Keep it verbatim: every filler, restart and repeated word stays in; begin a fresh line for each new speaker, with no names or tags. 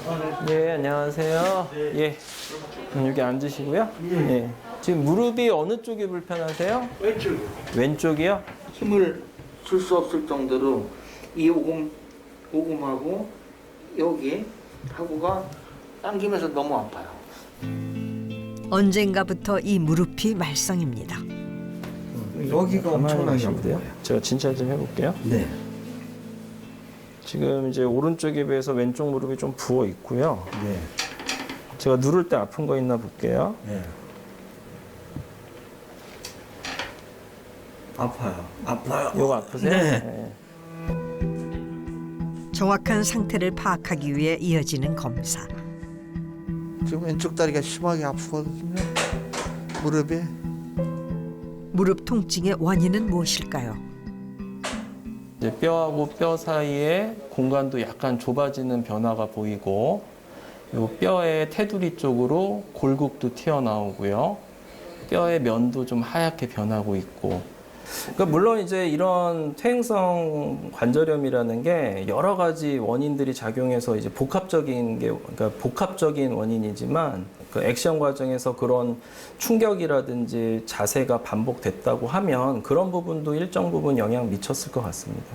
예, 안녕하세요. 예, 음, 여기 앉으시고요. 예. 지금 무릎이 어느 쪽이 불편하세요?
왼쪽이요.
왼쪽이요?
힘을 줄 수 없을 정도로 이 오금, 오금하고 여기 하고가 당기면서 너무 아파요.
언젠가부터 이 무릎이 말썽입니다.
여기가 엄청나게
하시면
아파요.
제가 진찰 좀 해볼게요.
네.
지금 이제 오른쪽에 비해서 왼쪽 무릎이 좀 부어 있고요.
네.
제가 누를 때 아픈 거 있나 볼게요.
네. 아파요. 아파요.
이거 아프세요?
네.
정확한 상태를 파악하기 위해 이어지는 검사.
지금 왼쪽 다리가 심하게 아프거든요. 무릎에.
네.
무릎 통증의 원인은 무엇일까요?
이제 뼈하고 뼈 사이에 공간도 약간 좁아지는 변화가 보이고, 요 뼈의 테두리 쪽으로 골국도 튀어나오고요. 뼈의 면도 좀 하얗게 변하고 있고. 그러니까 물론 이제 이런 퇴행성 관절염이라는 게 여러 가지 원인들이 작용해서 이제 복합적인 게, 그러니까 복합적인 원인이지만 그 액션 과정에서 그런 충격이라든지 자세가 반복됐다고 하면 그런 부분도 일정 부분 영향 미쳤을 것 같습니다.